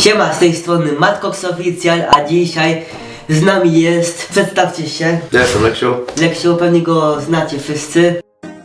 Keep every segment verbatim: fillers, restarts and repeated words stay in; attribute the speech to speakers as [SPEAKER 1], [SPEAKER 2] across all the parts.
[SPEAKER 1] Siema, z tej strony Matkox Oficjal, a dzisiaj z nami jest, przedstawcie się.
[SPEAKER 2] Ja jestem Leksiu.
[SPEAKER 1] Leksiu, pewnie go znacie wszyscy.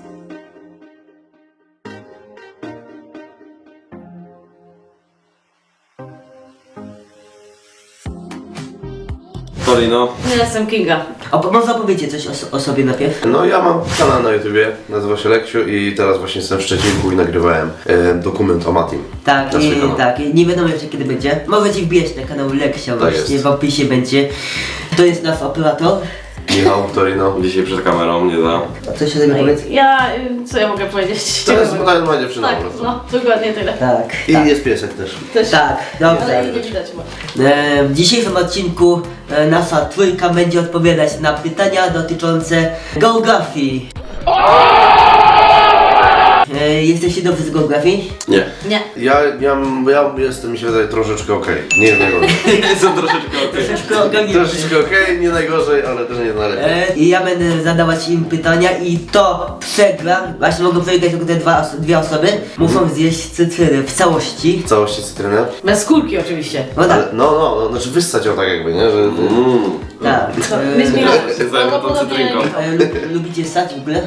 [SPEAKER 3] Torino.
[SPEAKER 4] Ja jestem Kinga.
[SPEAKER 1] A po- może opowiecie coś o, so- o sobie najpierw?
[SPEAKER 2] No ja mam kanał na YouTubie, nazywa się Leksiu i teraz właśnie jestem w Szczecinku i nagrywałem e, dokument o Matim.
[SPEAKER 1] Tak,
[SPEAKER 2] Na swój
[SPEAKER 1] i,
[SPEAKER 2] kanał.
[SPEAKER 1] tak, i nie wiadomo jeszcze kiedy będzie. Możecie wbijać na kanał Leksia właśnie,
[SPEAKER 2] jest.
[SPEAKER 1] w opisie będzie. To jest nasz operator.
[SPEAKER 2] Michał, Torino.
[SPEAKER 3] Dzisiaj przed kamerą, nie da.
[SPEAKER 1] A coś o sobie powiedz?
[SPEAKER 4] Ja, y, co ja mogę powiedzieć?
[SPEAKER 2] To jest moja dziewczyna po
[SPEAKER 4] Tak,
[SPEAKER 2] prostu.
[SPEAKER 4] no, dokładnie tyle.
[SPEAKER 1] Tak,
[SPEAKER 2] I
[SPEAKER 1] tak.
[SPEAKER 2] jest piesek też.
[SPEAKER 4] Też.
[SPEAKER 1] Tak, dobrze.
[SPEAKER 4] Ale jej nie widać chyba.
[SPEAKER 1] E, w dzisiejszym odcinku e, nasza trójka będzie odpowiadać na pytania dotyczące geografii. E, jesteście dobrzy z geografii?
[SPEAKER 3] Nie.
[SPEAKER 4] Nie.
[SPEAKER 2] Ja, ja, ja jestem, mi się wydaje, troszeczkę okej. Nie najgorzej.
[SPEAKER 3] Są troszeczkę okej.
[SPEAKER 1] Troszeczkę ogarnięty.
[SPEAKER 2] Troszeczkę okej, nie najgorzej, ale też nie najlepiej.
[SPEAKER 1] E, I ja będę zadawać im pytania i to przegra, właśnie mogą wygrać tylko te dwa, os- dwie osoby, muszą zjeść cytryny w całości.
[SPEAKER 2] W całości cytrynę.
[SPEAKER 4] Bez skórki oczywiście.
[SPEAKER 1] No tak,
[SPEAKER 2] Ale, no, no, no, znaczy wyssać ją tak jakby, nie? Że,
[SPEAKER 3] Mm.
[SPEAKER 1] tak.
[SPEAKER 4] Co?
[SPEAKER 1] E,
[SPEAKER 4] My zmieniamy.
[SPEAKER 3] się zajmę tą cytrynką.
[SPEAKER 1] e, lub, lubicie ssać w ogóle?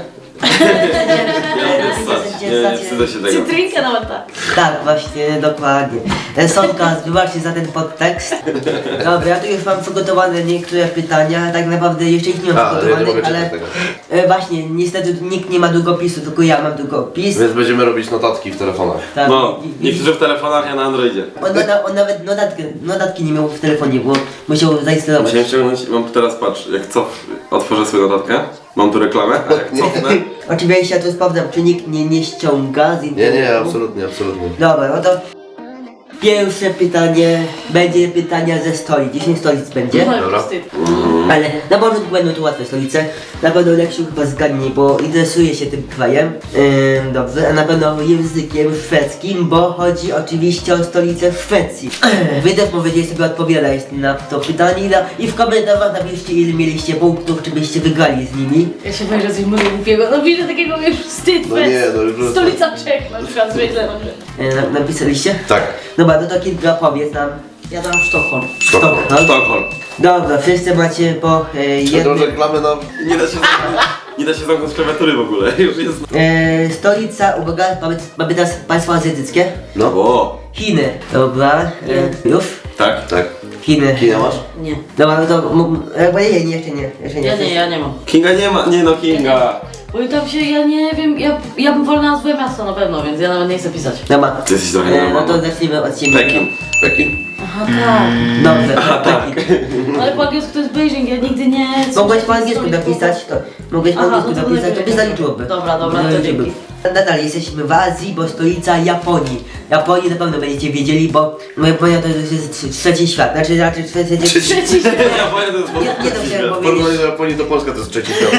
[SPEAKER 3] Ja lubię ssać. Nie, nie wstydzę się tego.
[SPEAKER 4] Cytrynkę nawet tak.
[SPEAKER 1] Tak, właśnie, dokładnie. E, Sonka, wybaczcie za ten podtekst. Dobra, ja tu już mam przygotowane niektóre pytania, tak naprawdę jeszcze ich nie mam
[SPEAKER 2] A, ale ja nie mogę
[SPEAKER 1] przygotowanych,
[SPEAKER 2] czytać
[SPEAKER 1] ale
[SPEAKER 2] tego.
[SPEAKER 1] e, właśnie, niestety nikt nie ma długopisu, tylko ja mam długopis.
[SPEAKER 2] Więc będziemy robić notatki w telefonach.
[SPEAKER 1] Tak,
[SPEAKER 3] No,
[SPEAKER 1] i- i-
[SPEAKER 3] niektórzy w telefonach, ja na Androidzie.
[SPEAKER 1] On, on, on nawet notatki, notatki nie miał w telefonie, bo musiał zainstalować.
[SPEAKER 3] Musiałem ściągnąć, mam teraz, patrz, jak cof, otworzę swoją notatkę, mam tu reklamę, a jak cofnę,
[SPEAKER 1] Oczywiście ja tu sprawdzam, czy nikt nie, nie ściąga z
[SPEAKER 2] Nie,
[SPEAKER 1] internetu.
[SPEAKER 2] nie, absolutnie, absolutnie.
[SPEAKER 1] Dobra, no to pierwsze pytanie będzie pytania ze stolic. dziesięć stolic będzie.
[SPEAKER 4] No,
[SPEAKER 2] Dobra.
[SPEAKER 4] wstyd.
[SPEAKER 1] Ale na początku będą tu łatwe stolice. Na pewno Leksiu chyba zgadnie, bo interesuje się tym krajem. Ym, dobrze, a na pewno językiem szwedzkim, bo chodzi oczywiście o stolicę Szwecji. Wy też możecie sobie odpowiadać na to pytanie na, i w komentarzach napiszcie, ile mieliście punktów, czy byście wygrali z nimi.
[SPEAKER 4] Ja się boję, że coś mówię głupiego. No widzę takiego już wstyd.
[SPEAKER 2] No
[SPEAKER 4] bez-
[SPEAKER 2] nie, no już-
[SPEAKER 4] Stolica Czech na przykład, źle dobrze.
[SPEAKER 1] Yy, na, napisaliście?
[SPEAKER 2] Tak.
[SPEAKER 1] Dobra, no to kilka powiedz nam.
[SPEAKER 4] Ja dam Sztokholm.
[SPEAKER 2] Sztokholm.
[SPEAKER 3] Sztokholm.
[SPEAKER 1] Dobra, wszyscy macie po e,
[SPEAKER 2] Tą
[SPEAKER 1] jednym.
[SPEAKER 2] reklamę na...
[SPEAKER 3] Nie da się zamknąć, nie da się zamknąć klawiatury w ogóle, już jest.
[SPEAKER 1] E, stolica, uwaga, mamy, mamy teraz państwo azjatyckie.
[SPEAKER 2] No.
[SPEAKER 3] O,
[SPEAKER 1] Chiny. Dobra, e, już?
[SPEAKER 3] tak?
[SPEAKER 2] Tak.
[SPEAKER 1] Chiny.
[SPEAKER 2] Kina masz?
[SPEAKER 4] Nie.
[SPEAKER 1] Dobra, no to m- jakby nie, nie, jeszcze nie, jeszcze nie.
[SPEAKER 4] Ja nie, ja nie mam.
[SPEAKER 3] Kinga nie ma, nie no Kinga.
[SPEAKER 4] Bo tam się, ja nie wiem, ja, ja bym wolna nazwę miasta na pewno, więc ja nawet nie chcę pisać.
[SPEAKER 1] Dobra.
[SPEAKER 3] Ty jesteś trochę
[SPEAKER 1] E, no to
[SPEAKER 3] normalny.
[SPEAKER 1] zacznijmy od ciebie.
[SPEAKER 3] Pekin.
[SPEAKER 2] Pekin.
[SPEAKER 4] Aha, tak.
[SPEAKER 1] Dobrze,
[SPEAKER 3] Aha, tak.
[SPEAKER 1] Pekin.
[SPEAKER 4] Ale po angielsku to jest Beijing, ja nigdy nie...
[SPEAKER 1] Mogłeś po angielsku napisać, to mogłeś po
[SPEAKER 4] Aha,
[SPEAKER 1] angielsku
[SPEAKER 4] no to
[SPEAKER 1] napisać, to by
[SPEAKER 4] lepiej.
[SPEAKER 1] zaliczyłoby.
[SPEAKER 4] Dobra, dobra, to
[SPEAKER 1] Zaliczyłoby.
[SPEAKER 4] dzięki.
[SPEAKER 1] Nadal jesteśmy w Azji, bo stolica Japonii. Japonii na pewno będziecie wiedzieli, bo no Japonia to jest trze- trzeci świat, znaczy raczej trzeci...
[SPEAKER 2] Trzeci.
[SPEAKER 4] Trzeci świat.
[SPEAKER 3] Ja powiem, to jest
[SPEAKER 1] Nie, nie to chciałem
[SPEAKER 2] W
[SPEAKER 1] powiedzieć.
[SPEAKER 2] porównaniu do Japonii to Polska to jest trzeci świat.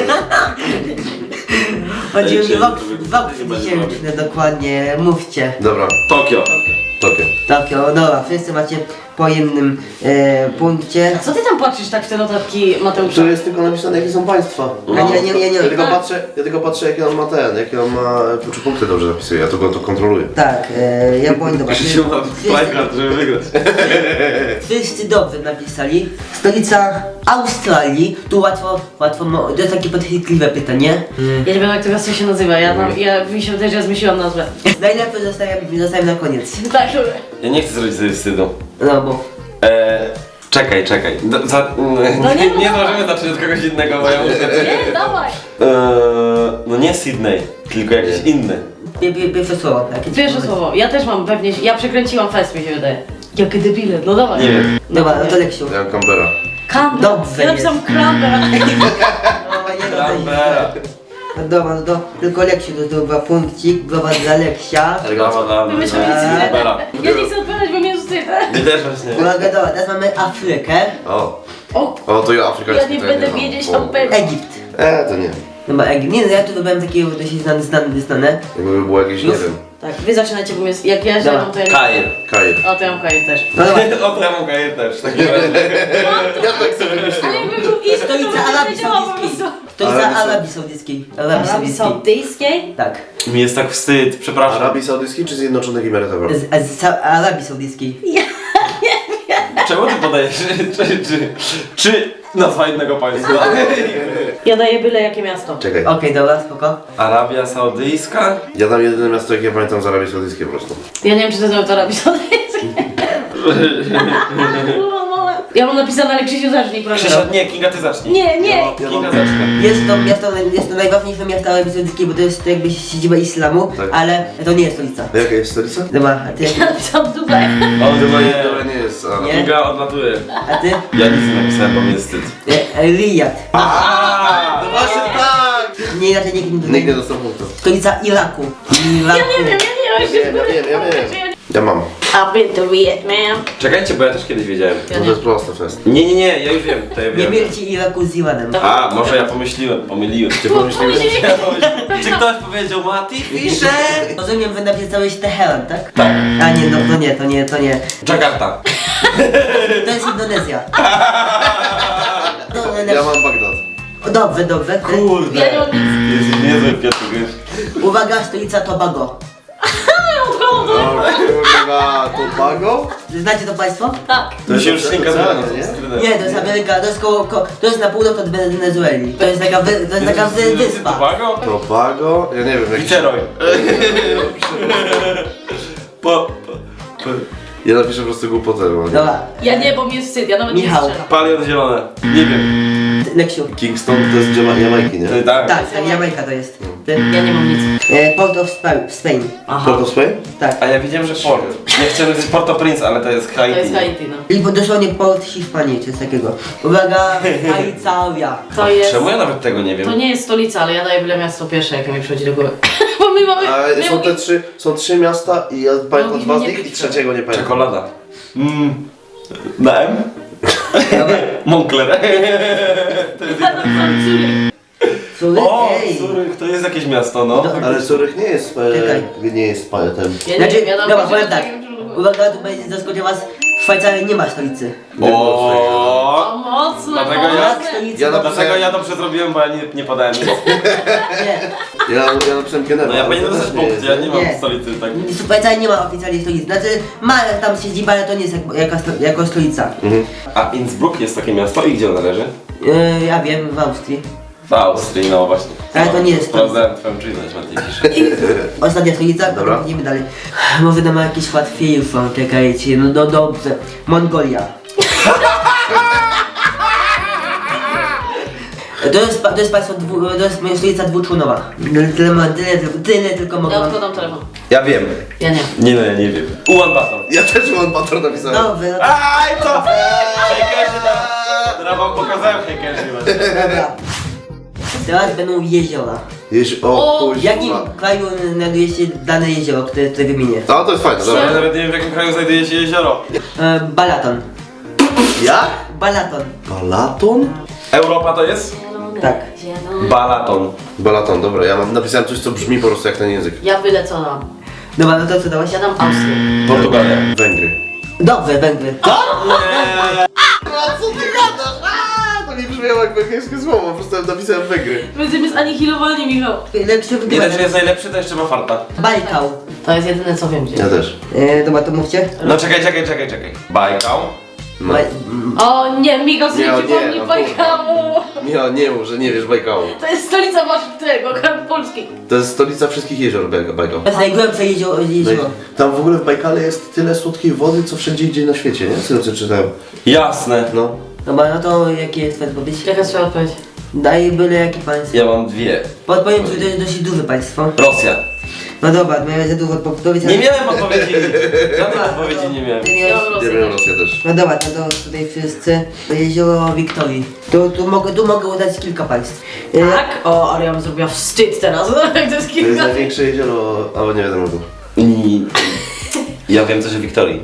[SPEAKER 1] Chodzi
[SPEAKER 3] Ej,
[SPEAKER 1] o rok,
[SPEAKER 3] to wy-
[SPEAKER 1] rok
[SPEAKER 3] to chyba nie
[SPEAKER 1] tysięczny dokładnie, mówcie.
[SPEAKER 2] Dobra,
[SPEAKER 3] Tokio.
[SPEAKER 2] Tokio.
[SPEAKER 1] Tokio, dobra, wszyscy macie po jednym e, punkcie.
[SPEAKER 4] Co ty tam patrzysz tak w te notatki, Mateusza?
[SPEAKER 2] Tu jest tylko napisane jakie są państwa.
[SPEAKER 1] A nie, nie, nie, nie.
[SPEAKER 2] Ja tylko
[SPEAKER 4] Tak.
[SPEAKER 2] patrzę, ja tylko patrzę jakie on ma ten, jakie on ma, czy punkty dobrze zapisuje, ja tylko to kontroluję.
[SPEAKER 1] Tak, e, Japonia, dobra.
[SPEAKER 3] Krzysiu ma flashcard, żeby wygrać.
[SPEAKER 1] Wszyscy dobrze napisali. Stolica Australii, tu łatwo, łatwo, mo- to jest takie podchwytliwe pytanie.
[SPEAKER 4] Ja nie wiem jak to miasto się nazywa, ja, tam, ja mi się wydaje, że ja zmyśliłam nazwę.
[SPEAKER 1] Najlepiej zostawiam, zostawiam na koniec.
[SPEAKER 4] Tak, dobra.
[SPEAKER 3] Ja nie chcę zrobić sobie wstydu.
[SPEAKER 1] No bo...
[SPEAKER 3] Eee, czekaj, czekaj. Do, za,
[SPEAKER 4] No
[SPEAKER 3] nie,
[SPEAKER 4] nie, no
[SPEAKER 3] nie
[SPEAKER 4] dawaj.
[SPEAKER 3] możemy zacząć od kogoś innego, bo ja muszę...
[SPEAKER 4] Nie, dawaj.
[SPEAKER 3] Eee, no nie Sydney, tylko jakiś inny.
[SPEAKER 1] Pie, pie, pierwsze słowo. Jakie
[SPEAKER 4] Pierwsze słowo, ja też mam pewnie, ja przekręciłam fest mi się wydaje. Jakie debile, no dawaj.
[SPEAKER 3] Nie wiem.
[SPEAKER 1] Dobra, no to Leksiu.
[SPEAKER 2] Ja mam Canberra.
[SPEAKER 4] Canberra.
[SPEAKER 1] Dobrze
[SPEAKER 4] Ja napisałam Canberra.
[SPEAKER 1] No, nie, no, to
[SPEAKER 3] Canberra.
[SPEAKER 1] No dobra, no to tylko Leksiu to zdobywa punkcik, brawa dla Leksia.
[SPEAKER 3] Brawa, brawa.
[SPEAKER 4] Wymyślałem
[SPEAKER 1] Eee.
[SPEAKER 3] Canberra.
[SPEAKER 4] Ja nie chcę odpowiadać, bo mnie wstydzę.
[SPEAKER 3] Ty też właśnie.
[SPEAKER 1] Uwaga, dobra, teraz mamy Afrykę,
[SPEAKER 2] O,
[SPEAKER 4] O,
[SPEAKER 2] o to ja afrykański.
[SPEAKER 4] Ja nie
[SPEAKER 2] to
[SPEAKER 4] będę
[SPEAKER 2] znam.
[SPEAKER 4] wiedzieć,
[SPEAKER 2] O.
[SPEAKER 4] o pewnie.
[SPEAKER 1] Egipt.
[SPEAKER 2] E, to nie.
[SPEAKER 1] Chyba Egipt. Nie no, ja tu wybrałem takiego dość znane, znane, znane.
[SPEAKER 2] Jakby było jakieś, nie
[SPEAKER 1] Już?
[SPEAKER 2] wiem,
[SPEAKER 4] tak, wy zaczynajcie, bo jest, jak ja źle
[SPEAKER 1] Dobra.
[SPEAKER 4] mam, to ja nie...
[SPEAKER 3] Kair.
[SPEAKER 2] Kair.
[SPEAKER 4] A, to ja mam Kair też.
[SPEAKER 1] No dobra.
[SPEAKER 3] O, ja mam Kair też, w takim razie.
[SPEAKER 2] Ja tak sobie
[SPEAKER 4] Ale
[SPEAKER 2] myślałem.
[SPEAKER 4] jakby był iść, to
[SPEAKER 1] Stolica
[SPEAKER 4] bym
[SPEAKER 1] Arabii
[SPEAKER 4] wiedziała po
[SPEAKER 1] Saudyjskiej.
[SPEAKER 4] prostu.
[SPEAKER 1] Stolica
[SPEAKER 2] Arabii Sau-
[SPEAKER 1] Arabii Saudyjskiej. Arabii
[SPEAKER 4] Arabii
[SPEAKER 1] Saudyjskiej.
[SPEAKER 4] Saudyjskiej?
[SPEAKER 1] Tak.
[SPEAKER 3] Mi jest tak wstyd, przepraszam.
[SPEAKER 2] Arabii Saudyjskiej czy Zjednoczonych Emiratów Arabskich?
[SPEAKER 1] Z, z Sa- Arabii Saudyjskiej.
[SPEAKER 4] Ja nie
[SPEAKER 3] Czemu ty podajesz? Czy, czy, czy nazwa innego państwa?
[SPEAKER 4] Ja daję byle jakie miasto.
[SPEAKER 2] Czekaj.
[SPEAKER 1] Okej, dobra, spoko.
[SPEAKER 3] Arabia Saudyjska?
[SPEAKER 2] Ja dam jedyne miasto, jakie pamiętam z Arabii Saudyjskiej po prostu.
[SPEAKER 4] Ja nie wiem, czy to znowu to robi Ja mam napisane, ale Krzysiu zacznij, proszę.
[SPEAKER 3] Krzysia, nie, Kinga ty zacznij.
[SPEAKER 4] Nie, nie.
[SPEAKER 3] Ja mam- Kinga zacznij.
[SPEAKER 1] Jest to miasto, jest to najważniejsze miasto Arabii Saudyjskiej, bo to jest jakby siedziba islamu,
[SPEAKER 2] Tak.
[SPEAKER 1] ale to nie jest stolica.
[SPEAKER 2] A jaka jest stolica?
[SPEAKER 1] Dobra, a ty?
[SPEAKER 4] Ja napisałam Dubaj.
[SPEAKER 3] O,
[SPEAKER 2] Chyba
[SPEAKER 3] nie,
[SPEAKER 2] nie, dobra, nie jest. A.
[SPEAKER 1] Nie.
[SPEAKER 3] Kinga odlatuje.
[SPEAKER 1] A ty?
[SPEAKER 3] Ja nic nie napisałem, bo mi jest wstyd.
[SPEAKER 1] E, e, Riyad.
[SPEAKER 3] Aaaa!
[SPEAKER 2] Właśnie tak!
[SPEAKER 1] Nie inaczej nikt nie
[SPEAKER 2] Nikt nie dostał punktu.
[SPEAKER 1] Stolica Iraku. Iraku.
[SPEAKER 4] Ja nie wiem, ja nie
[SPEAKER 2] Ja wiem, ja wiem, ja wiem. Ja mam.
[SPEAKER 4] I've been to Vietnam.
[SPEAKER 3] Czekajcie, bo ja też kiedyś wiedziałem.
[SPEAKER 4] Ja
[SPEAKER 2] No to
[SPEAKER 4] nie.
[SPEAKER 2] jest proste fest.
[SPEAKER 3] Nie, nie, nie, ja już wiem, to ja
[SPEAKER 1] Nie
[SPEAKER 3] wiem.
[SPEAKER 1] mylcie Iraku z Iranem.
[SPEAKER 3] A, może ja pomyśliłem, pomyliłem. Ty
[SPEAKER 4] pomyśliłeś?
[SPEAKER 3] Czy ktoś powiedział Mati Fischer?
[SPEAKER 1] Rozumiem, wy napisałeś Teheran, tak?
[SPEAKER 3] Tak.
[SPEAKER 1] A nie, no to nie, to nie, to nie.
[SPEAKER 3] Jakarta.
[SPEAKER 1] To jest Indonezja. No,
[SPEAKER 2] Ja mam Bagdad.
[SPEAKER 1] O, dobrze, dobrze.
[SPEAKER 3] Kurde.
[SPEAKER 4] Ja nie mam nic.
[SPEAKER 3] Jesteś niezły, Piotr, wiesz.
[SPEAKER 1] Uwaga, stolica Tobago.
[SPEAKER 2] O kurwa, Tobago?
[SPEAKER 1] Znacie to państwo?
[SPEAKER 4] Tak.
[SPEAKER 3] To się już szynka
[SPEAKER 2] oceanie,
[SPEAKER 3] zmienia.
[SPEAKER 1] Nie, to jest Ameryka, to jest koło, ko, to jest na północ od Wenezueli. To jest taka, wy, to jest taka wy, wyspa.
[SPEAKER 3] Tobago?
[SPEAKER 2] Tobago? Ja nie wiem jak
[SPEAKER 3] Viceroy. Po... po-
[SPEAKER 2] Ja napiszę po prostu głupotę, bo nie.
[SPEAKER 1] Dobra,
[SPEAKER 4] Ja nie, bo mi jest wstyd, ja nawet
[SPEAKER 1] Michał.
[SPEAKER 4] nie strzelam.
[SPEAKER 3] Palion zielone. Nie wiem.
[SPEAKER 1] Leksiu.
[SPEAKER 2] Kingston to jest Jama- Jamajki, nie?
[SPEAKER 3] To tak.
[SPEAKER 1] Tak, tak, Jamajka to jest. Ty?
[SPEAKER 4] Ja nie mam nic.
[SPEAKER 1] E, Port of Spa- Spain.
[SPEAKER 4] Aha.
[SPEAKER 2] Port of Spain?
[SPEAKER 1] Tak.
[SPEAKER 3] A ja widziałem, że Port. Nie chciałem powiedzieć Port-au-Prince, ale to jest
[SPEAKER 4] To
[SPEAKER 3] Haiti.
[SPEAKER 4] jest Haiti, no.
[SPEAKER 1] I dosłownie Port Hiszpanii, czy coś takiego. Uwaga, Alicauria.
[SPEAKER 4] To jest...
[SPEAKER 3] Czemu ja nawet tego nie wiem?
[SPEAKER 4] To nie jest stolica, ale ja daję byle miasto pierwsze, jakie mi przychodzi do głowy. Bo my mamy...
[SPEAKER 2] A
[SPEAKER 4] my
[SPEAKER 2] są te
[SPEAKER 4] mamy-
[SPEAKER 2] trzy, są trzy miasta i ja pamiętam
[SPEAKER 4] No,
[SPEAKER 2] dwa z
[SPEAKER 4] nie
[SPEAKER 2] nich i
[SPEAKER 4] być
[SPEAKER 2] trzeciego nie pamiętam.
[SPEAKER 3] Czekolada. Mm. Na M?
[SPEAKER 1] Dobra.
[SPEAKER 3] Moncler. To jest...
[SPEAKER 4] Ja tam Zurich.
[SPEAKER 1] Sury?
[SPEAKER 3] O,
[SPEAKER 1] Ej.
[SPEAKER 3] Zurich, to jest jakieś miasto, no.
[SPEAKER 1] No.
[SPEAKER 2] Ale Zurich nie jest,
[SPEAKER 1] Czekaj.
[SPEAKER 2] e, nie jest pamiętam.
[SPEAKER 4] Ja nie
[SPEAKER 1] Znaczy,
[SPEAKER 4] wiem, ja dam
[SPEAKER 1] dobra,
[SPEAKER 4] pierwsze,
[SPEAKER 1] powiem tak.
[SPEAKER 4] jakie mi przychodzi do głowy.
[SPEAKER 1] Uwaga, tu będzie zaskoczył was. W Szwajcarii nie ma stolicy.
[SPEAKER 3] O.
[SPEAKER 4] O, mocno,
[SPEAKER 3] Dlatego
[SPEAKER 4] mocno.
[SPEAKER 3] ja-
[SPEAKER 1] Stolicy
[SPEAKER 2] Ja
[SPEAKER 1] ma-
[SPEAKER 3] Dlaczego ja dobrze zrobiłem, bo ja nie, nie podałem nic.
[SPEAKER 1] Nie.
[SPEAKER 2] Ja, ja napisałem Genewa.
[SPEAKER 3] No ja
[SPEAKER 2] ale
[SPEAKER 3] powinienem
[SPEAKER 2] to
[SPEAKER 3] dostać
[SPEAKER 2] też nie
[SPEAKER 3] punkt,
[SPEAKER 2] jest,
[SPEAKER 3] ja nie
[SPEAKER 2] nie?
[SPEAKER 3] mam
[SPEAKER 1] Nie.
[SPEAKER 3] stolicy, tak.
[SPEAKER 1] W Szwajcarii nie ma oficjalnie stolicy. Znaczy, ma tam siedziba, ale to nie jest jak, jako, sto- jako stolica.
[SPEAKER 2] Mhm.
[SPEAKER 3] A Innsbruck jest takie miasto i gdzie ono leży?
[SPEAKER 1] Yy, ja wiem, w Austrii.
[SPEAKER 3] W Austrii, no właśnie.
[SPEAKER 1] Ale to nie jest
[SPEAKER 3] Sprawdzałem twoją czujność, Mati Fischer.
[SPEAKER 1] Ostatnia stolica,
[SPEAKER 2] Dobra.
[SPEAKER 1] potem idziemy dalej. Może damy jakieś łatwiejsze, czekajcie, no, no dobrze. Mongolia. To jest, pa- to jest państwo, dwu, to jest stolica dwuczłonowa. Tyle, tyle, tyle, tylko- tyle tylko mogę
[SPEAKER 4] Ja
[SPEAKER 1] wam...
[SPEAKER 4] odkładam telefon.
[SPEAKER 2] Ja wiem.
[SPEAKER 4] Ja nie.
[SPEAKER 3] Nie no, ja nie wiem. Ulan Bator.
[SPEAKER 2] Ja też mam Bator napisałem.
[SPEAKER 1] Dobrze, no to...
[SPEAKER 3] Aj, to! Hekerzy teraz! Teraz wam pokazałem hekerzy właśnie.
[SPEAKER 1] Dobra. Teraz będą jeziora.
[SPEAKER 2] Jeź, o,
[SPEAKER 4] O,
[SPEAKER 1] W jakim
[SPEAKER 2] kuźwa.
[SPEAKER 1] kraju znajduje się dane jezioro, które tutaj wymienię?
[SPEAKER 2] A to jest fajne,
[SPEAKER 3] Ja
[SPEAKER 2] dobra.
[SPEAKER 3] nawet nie wiem, w jakim kraju znajduje się jezioro.
[SPEAKER 1] E, Balaton.
[SPEAKER 2] Jak?
[SPEAKER 1] Balaton.
[SPEAKER 2] Balaton?
[SPEAKER 3] Europa to jest?
[SPEAKER 1] Tak.
[SPEAKER 4] Zielony.
[SPEAKER 3] Balaton.
[SPEAKER 2] Balaton, dobra, ja mam, napisałem coś, co brzmi po prostu jak ten język.
[SPEAKER 4] Ja byle co dam.
[SPEAKER 1] Dobra, no to co dałaś?
[SPEAKER 4] Ja dam Austrię.
[SPEAKER 3] Portugalia.
[SPEAKER 2] Węgry.
[SPEAKER 1] Dobrze, Węgry.
[SPEAKER 2] A co ty gadasz? A, to mi brzmiało jak węgierskie słowo, po prostu napisałem Węgry.
[SPEAKER 4] Będziemy zanihilowani, Michał.
[SPEAKER 1] Lepszy
[SPEAKER 3] Nie dość, że jest najlepszy, to jeszcze ma farta.
[SPEAKER 1] Bajkał.
[SPEAKER 4] To jest jedyne co wiem gdzie.
[SPEAKER 2] Ja też.
[SPEAKER 1] E, dobra, to mówcie.
[SPEAKER 3] No czekaj, czekaj, czekaj, czekaj. Bajkał.
[SPEAKER 2] No.
[SPEAKER 1] Baj...
[SPEAKER 4] O nie, Michał sobie
[SPEAKER 2] Nie, o nie,
[SPEAKER 4] przypomnij
[SPEAKER 2] no
[SPEAKER 4] Bajkału.
[SPEAKER 2] Nie, nie mów, że nie wiesz Bajkału.
[SPEAKER 4] To jest stolica waszego kraju Polski.
[SPEAKER 2] To jest stolica wszystkich jezior Baj- Bajkał.
[SPEAKER 1] To jest najgłębsze jezioro. jezioro.
[SPEAKER 2] Tam w ogóle w Bajkale jest tyle słodkiej wody, co wszędzie indziej na świecie, nie? Co co czytałem.
[SPEAKER 3] Jasne.
[SPEAKER 2] No.
[SPEAKER 1] Dobra, no to jakie jest twoja odpowiedź?
[SPEAKER 4] Jaka jest twoja odpowiedź?
[SPEAKER 1] Daj byle jakie państwo.
[SPEAKER 3] Ja mam dwie.
[SPEAKER 1] Podpowiem, że to jest dosyć duże państwo.
[SPEAKER 3] Rosja.
[SPEAKER 1] No dobra, miałem za dużo odpowiedzi.
[SPEAKER 3] Nie miałem odpowiedzi. Żadnej odpowiedzi nie miałem.
[SPEAKER 1] Ty
[SPEAKER 4] Ja
[SPEAKER 1] miałeś...
[SPEAKER 4] mam
[SPEAKER 2] Nie
[SPEAKER 4] Rosję.
[SPEAKER 2] wiem, Rosja też.
[SPEAKER 1] No dobra, no to tutaj wszyscy. To jezioro Wiktorii. Tu, tu, mogę, tu mogę udać kilka państw. E,
[SPEAKER 4] Tak? O, ale ja bym zrobiła wstyd teraz. To jest
[SPEAKER 2] To jest
[SPEAKER 4] kilka...
[SPEAKER 2] największe jezioro, albo nie wiadomo.
[SPEAKER 3] I... Ja wiem coś o Wiktorii.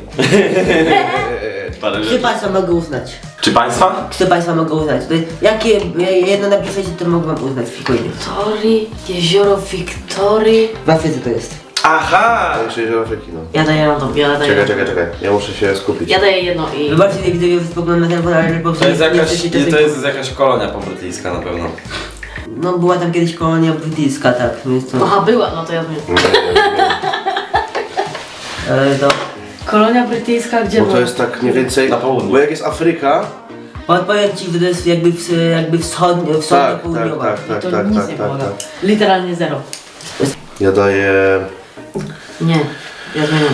[SPEAKER 3] Parę
[SPEAKER 1] Trzy
[SPEAKER 3] rzeczy.
[SPEAKER 1] państwa mogę uznać.
[SPEAKER 3] Czy państwa?
[SPEAKER 1] Trzy państwa mogę uznać. Tutaj, jakie jedno napiszecie, to mogę wam uznać spokojnie.
[SPEAKER 4] Wiktorii, jezioro Wiktorii.
[SPEAKER 1] W Afryce to jest.
[SPEAKER 3] Aha!
[SPEAKER 2] Największe jezioro Afryki, no.
[SPEAKER 4] Ja daję na to, ja daję.
[SPEAKER 2] Czekaj, czekaj, czekaj. Ja muszę się skupić.
[SPEAKER 4] Ja daję jedno i...
[SPEAKER 1] Wybaczcie, nie widzę, że spoglądam na telefon, ale po prostu
[SPEAKER 3] To jest
[SPEAKER 1] nie- nie
[SPEAKER 3] jakaś,
[SPEAKER 1] chcecie
[SPEAKER 3] to
[SPEAKER 1] tego-
[SPEAKER 3] jest jakaś kolonia pobrytyjska na pewno.
[SPEAKER 1] No była tam kiedyś kolonia brytyjska, tak, więc to...
[SPEAKER 4] Aha, była, no to ja wiem.
[SPEAKER 1] Ale to...
[SPEAKER 4] Kolonia brytyjska, gdzie
[SPEAKER 2] Bo to
[SPEAKER 4] była?
[SPEAKER 2] jest tak mniej więcej...
[SPEAKER 3] Na południu.
[SPEAKER 2] Bo jak jest Afryka...
[SPEAKER 1] Podpowiem ci, że to jest jakby, w, jakby wschodnio,
[SPEAKER 2] Tak,
[SPEAKER 1] wschodnio
[SPEAKER 2] tak,
[SPEAKER 1] południowa.
[SPEAKER 2] tak, tak,
[SPEAKER 4] To
[SPEAKER 2] tak,
[SPEAKER 4] nic
[SPEAKER 2] tak,
[SPEAKER 4] nie
[SPEAKER 2] tak,
[SPEAKER 4] pomaga.
[SPEAKER 2] tak.
[SPEAKER 4] Literalnie zero.
[SPEAKER 2] Ja daję...
[SPEAKER 4] Nie, ja zmieniam.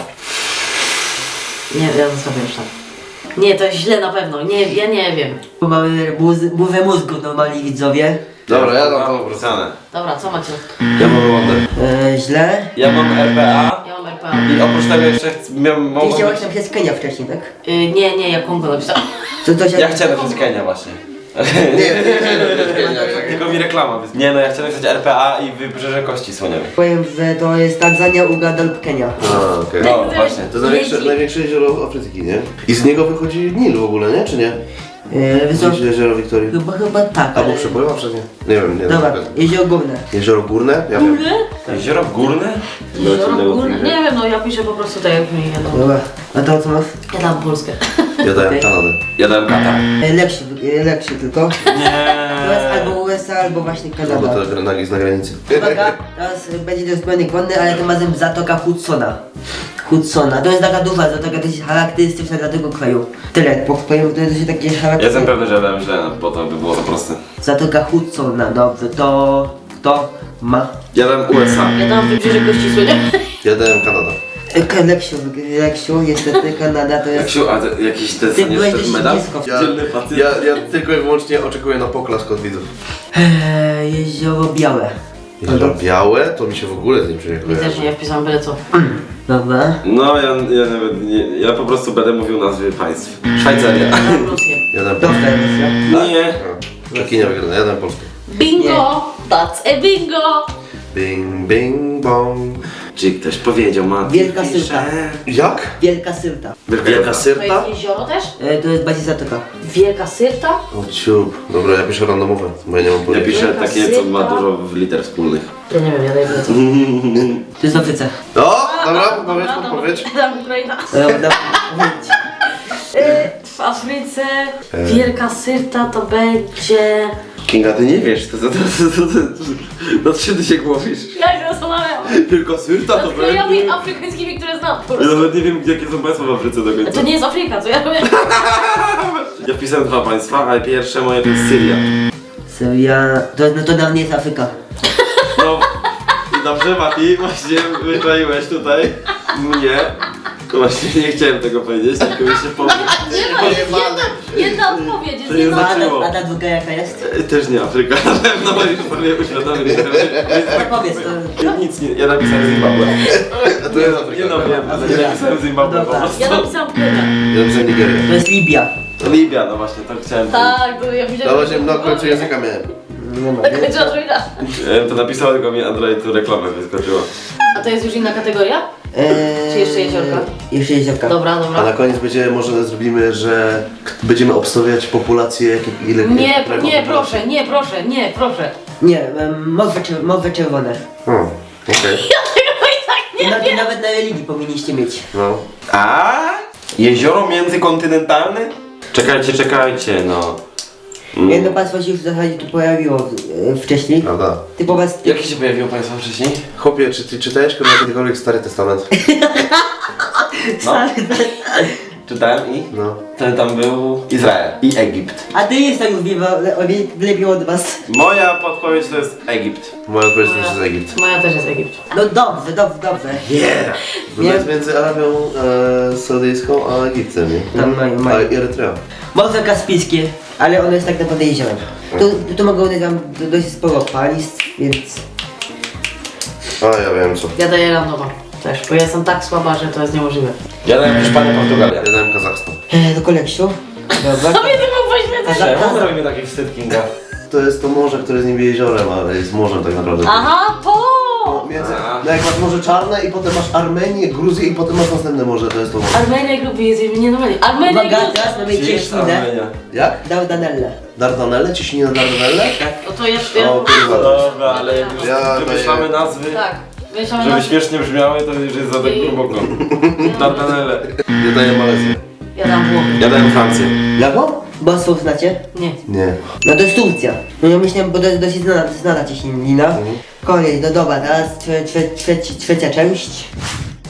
[SPEAKER 4] Nie, ja zostawię już tam. Nie, to jest źle na pewno. Nie, ja nie wiem.
[SPEAKER 1] Bo mamy muzy- burzę mózgów normalni widzowie.
[SPEAKER 2] Dobra, ja dam to po prostu.
[SPEAKER 3] Napisane.
[SPEAKER 4] Dobra, co macie?
[SPEAKER 2] Ja mam Rwandę.
[SPEAKER 1] E, źle.
[SPEAKER 3] Ja mam R P A
[SPEAKER 4] Ja mam R P A.
[SPEAKER 3] i oprócz tego jeszcze chcę- miałem...
[SPEAKER 1] Ty
[SPEAKER 3] mogło
[SPEAKER 1] chciałeś
[SPEAKER 3] być-
[SPEAKER 1] napisać Kenia wcześniej, tak?
[SPEAKER 4] Y, nie, nie, ja Kongo napisałem.
[SPEAKER 1] To, to się...
[SPEAKER 3] Ja chciałem napisać Kenia właśnie.
[SPEAKER 2] Nie, nie, nie, nie, nie.
[SPEAKER 3] Tylko mi reklama. Więc... Nie no, ja chciałem napisać R P A i Wybrzeże Kości Słoniowej.
[SPEAKER 1] Powiem, że to jest Tanzania, Uganda lub Kenia.
[SPEAKER 2] A, okej.
[SPEAKER 3] No właśnie.
[SPEAKER 2] To jest największe, największe jezioro Afryki, nie? I z niego wychodzi Nil w ogóle, nie? Czy nie?
[SPEAKER 1] E, wysoko...
[SPEAKER 2] Gdzieś jezioro Wiktorii.
[SPEAKER 1] Chyba, chyba tak,
[SPEAKER 2] Albo
[SPEAKER 1] ale...
[SPEAKER 2] przepływa przez nie? Nie wiem, nie
[SPEAKER 1] Dobra,
[SPEAKER 2] wiem.
[SPEAKER 1] jezioro górne.
[SPEAKER 2] Jezioro Górne? Ja wiem.
[SPEAKER 3] Jezioro Górne?
[SPEAKER 4] Jezioro Górne? Nie wiem, no ja piszę po prostu tak jak mi jadą.
[SPEAKER 1] Dobra, a to co masz?
[SPEAKER 4] Ja dam Polskę.
[SPEAKER 2] Ja dałem
[SPEAKER 1] Okej.
[SPEAKER 2] Kanadę.
[SPEAKER 3] Ja dałem Katar.
[SPEAKER 1] E, lepszy, e, lepszy tylko.
[SPEAKER 3] Nie.
[SPEAKER 1] To jest albo U S A, albo właśnie
[SPEAKER 2] No bo
[SPEAKER 1] Kanada.
[SPEAKER 2] to nagi jest na granicy.
[SPEAKER 1] Uwaga, teraz e, będzie to zbrojnik wodny, ale tym razem Zatoka Hudsona. Hudsona. To jest taka duża zatoka, dosyć charakterystyczna dla tego kraju. Tyle, bo powiem, to jest dosyć takie
[SPEAKER 3] Ja jestem
[SPEAKER 1] charakterystyczne.
[SPEAKER 3] pewny, że ja dałem źle, bo to by było za proste.
[SPEAKER 1] Zatoka Hudsona, dobrze, to... to ma...
[SPEAKER 3] Ja dałem U S A.
[SPEAKER 4] Ja dam Wybrzeże Kości Słoniowej.
[SPEAKER 2] Ja dałem Kanada.
[SPEAKER 1] E, Leksiu, Leksiu, niestety Kanada to jest...
[SPEAKER 3] Jaksiu, a te, jakiś te,
[SPEAKER 1] Ty
[SPEAKER 3] nie
[SPEAKER 1] byłeś
[SPEAKER 3] ten
[SPEAKER 1] dość
[SPEAKER 3] medal?
[SPEAKER 1] blisko.
[SPEAKER 2] Ja,
[SPEAKER 3] Dzielny facet.
[SPEAKER 2] ja, ja tylko i wyłącznie oczekuję na poklask od widzów.
[SPEAKER 1] Eee, jezioro Białe.
[SPEAKER 2] Jezioro Białe to mi się w ogóle z nim
[SPEAKER 4] Mi
[SPEAKER 2] przyjechuje.
[SPEAKER 4] też nie, ja wpisałam byle co.
[SPEAKER 1] Dobra.
[SPEAKER 3] No ja, ja nawet nie, ja po prostu będę mówił nazwy państw. Szwajcaria.
[SPEAKER 4] Ja dam Rosję.
[SPEAKER 2] Ja dałem
[SPEAKER 1] Dobra,
[SPEAKER 2] Polskę.
[SPEAKER 1] Rosja.
[SPEAKER 3] Nie.
[SPEAKER 2] Czekinia wygrana, ja dałem Polskę.
[SPEAKER 4] Bingo! That's a bingo!
[SPEAKER 2] Bing, bing, bong.
[SPEAKER 3] Czy ktoś powiedział ma?
[SPEAKER 1] Wielka Sylta.
[SPEAKER 2] Jak?
[SPEAKER 1] Wielka Sylta.
[SPEAKER 2] Wielka
[SPEAKER 4] To
[SPEAKER 2] Syrta?
[SPEAKER 4] jest jezioro też?
[SPEAKER 1] E, to jest bardziej zatoka.
[SPEAKER 4] Wielka Syrta?
[SPEAKER 2] O ciup. Dobra, ja piszę randomowe, bo ja nie mam
[SPEAKER 3] Ja
[SPEAKER 2] pojęcia.
[SPEAKER 3] piszę
[SPEAKER 4] Wielka
[SPEAKER 3] takie, co ma
[SPEAKER 4] Sylta.
[SPEAKER 3] dużo w liter wspólnych.
[SPEAKER 4] Ja nie wiem, ja daję byle co.
[SPEAKER 1] To jest w Afryce.
[SPEAKER 2] O, dobra, podpowiedź, podpowiedź.
[SPEAKER 4] Dam Ukraina.
[SPEAKER 1] E, dobra, powiedzieć.
[SPEAKER 4] Y, W Afryce Wielka Syrta to będzie...
[SPEAKER 3] Kinga, ty nie wiesz, to, to, to, to, to, to, nad czym ty się głowisz?
[SPEAKER 4] Ja się zastanawiam.
[SPEAKER 3] Tylko Syrta to
[SPEAKER 4] Nad krajami
[SPEAKER 3] będzie...
[SPEAKER 4] afrykańskimi, które znam po
[SPEAKER 3] Ja
[SPEAKER 4] prostu.
[SPEAKER 3] nawet nie wiem, jakie są państwa w Afryce do końca.
[SPEAKER 4] To nie jest Afryka, co ja wiem.
[SPEAKER 3] Ja wpisałem dwa państwa, ale pierwsze moje to jest Syria.
[SPEAKER 1] Syria... To, no to dla mnie jest Afryka.
[SPEAKER 3] No i dobrze, Mati, właśnie wyczaiłeś tutaj mnie. To właśnie nie chciałem tego powiedzieć, tylko mi się powiem.
[SPEAKER 4] Nie ma, jest jedna, jedna odpowiedź, jest
[SPEAKER 3] To jest
[SPEAKER 4] jedna
[SPEAKER 1] A
[SPEAKER 3] Zaczęło.
[SPEAKER 1] ta, a ta druga jaka jest?
[SPEAKER 3] Też nie Afryka, na pewno już sobie uświadomić.
[SPEAKER 1] No powiedz, to...
[SPEAKER 3] Nic nie, ja napisałem Zimbabwe.
[SPEAKER 2] To jest
[SPEAKER 3] Nie
[SPEAKER 2] Afryka.
[SPEAKER 3] no wiem, ale nie napisałem Zimbabwe po
[SPEAKER 1] Dobra.
[SPEAKER 3] prostu.
[SPEAKER 4] Ja napisałam Kenia.
[SPEAKER 2] Ja napisałem Nigerię.
[SPEAKER 1] To jest Libia.
[SPEAKER 3] To Libia, no właśnie, to chciałem
[SPEAKER 4] Tak, to ja
[SPEAKER 2] No
[SPEAKER 4] widziałem.
[SPEAKER 2] właśnie, na końcu języka miałem.
[SPEAKER 1] Nie ma.
[SPEAKER 4] Na końcu Androida.
[SPEAKER 3] Ja bym to napisał, tylko mi Android tu reklamę wyskoczyła.
[SPEAKER 4] A to jest już inna kategoria?
[SPEAKER 1] Eee,
[SPEAKER 4] Czy jeszcze jeziorka?
[SPEAKER 1] Jeszcze jeziorka.
[SPEAKER 4] Dobra,
[SPEAKER 2] A na
[SPEAKER 4] dobra.
[SPEAKER 2] koniec będzie, może zrobimy, że będziemy obstawiać populację, jak, ile...
[SPEAKER 4] Nie,
[SPEAKER 2] jaką
[SPEAKER 4] nie,
[SPEAKER 2] populację.
[SPEAKER 4] proszę, nie, proszę, nie, proszę.
[SPEAKER 1] Nie, em, morze, czer- morze czerwone.
[SPEAKER 2] O, okej.
[SPEAKER 1] I na, i nawet na religii powinniście mieć.
[SPEAKER 2] No.
[SPEAKER 3] A? Jezioro międzykontynentalne? Czekajcie, czekajcie, no. Mm.
[SPEAKER 1] Jedno państwo się już w zasadzie tu pojawiło e, wcześniej.
[SPEAKER 2] Prawda.
[SPEAKER 1] Typowa z...
[SPEAKER 3] Jakie się pojawiło państwo wcześniej?
[SPEAKER 2] Chłopie, czy ty czytałeś kiedykolwiek Stary Testament?
[SPEAKER 3] No. Czytałem i?
[SPEAKER 2] No.
[SPEAKER 3] To tam był Izrael i Egipt.
[SPEAKER 1] A ty jest tak już wie- le- o wie- lepiej od was.
[SPEAKER 3] Moja podpowiedź to jest Egipt.
[SPEAKER 2] Moja odpowiedź to jest Egipt.
[SPEAKER 4] Moja też jest Egipt.
[SPEAKER 1] No dobrze, dobrze, dobrze.
[SPEAKER 3] Yeah!
[SPEAKER 2] Bo to jest między Arabią e, Saudyjską a Egiptem, nie?
[SPEAKER 1] Tam mają,
[SPEAKER 2] A
[SPEAKER 1] mają.
[SPEAKER 2] i Erytrea.
[SPEAKER 1] Morze Kaspijskie, ale ono jest tak naprawdę jeziorem. Tu, tu, tu mogą one tam do- dość sporo państw, więc...
[SPEAKER 2] A, ja wiem co.
[SPEAKER 4] Ja daję randoma też, bo ja jestem tak słaba, że to jest niemożliwe.
[SPEAKER 3] Ja dałem Hiszpanię, Portugalia.
[SPEAKER 2] Ja dałem Kazachstan.
[SPEAKER 1] E, do koleksiu. Dobra.
[SPEAKER 4] To mnie nie mógł poświęcać.
[SPEAKER 3] Czemu robimy taki wstyd, Kinga?
[SPEAKER 2] To jest to morze, które jest niby jeziorem, ale jest morzem tak naprawdę.
[SPEAKER 4] Aha, to!
[SPEAKER 2] No, między,
[SPEAKER 3] A.
[SPEAKER 2] no jak masz Morze Czarne i potem masz Armenię, Gruzję i potem masz następne morze, to jest to morze.
[SPEAKER 4] Armenia i Gruzja jest nienormalnie. Armenia i
[SPEAKER 1] Uwaga,
[SPEAKER 4] Gruzja.
[SPEAKER 1] teraz mamy
[SPEAKER 3] Gdzie jest
[SPEAKER 1] cieśninę.
[SPEAKER 3] Armenia?
[SPEAKER 2] Jak?
[SPEAKER 1] Dardanelle.
[SPEAKER 2] Dardanelle? Ciśnina Dardanelle?
[SPEAKER 4] No to jeszcze...
[SPEAKER 2] O kurwa.
[SPEAKER 3] Dobra, ale jak już
[SPEAKER 2] Ja
[SPEAKER 3] wymyślamy
[SPEAKER 2] daję-
[SPEAKER 3] nazwy,
[SPEAKER 4] Tak. Myślałem
[SPEAKER 3] żeby
[SPEAKER 4] na...
[SPEAKER 3] śmiesznie brzmiały, to już jest za tak głęboko. Dardanelle.
[SPEAKER 2] Ja daję Malezję.
[SPEAKER 4] Ja dam Włochy.
[SPEAKER 3] Ja dałem Francję.
[SPEAKER 1] Jaką? Bosfor znacie?
[SPEAKER 4] Nie.
[SPEAKER 2] Nie.
[SPEAKER 1] No to jest Turcja. No ja myślałem, bo to jest dosyć znana, znana cieśnina.
[SPEAKER 2] Mhm.
[SPEAKER 1] Kolej, no dobra, teraz trze, trze, trze, trzecia część.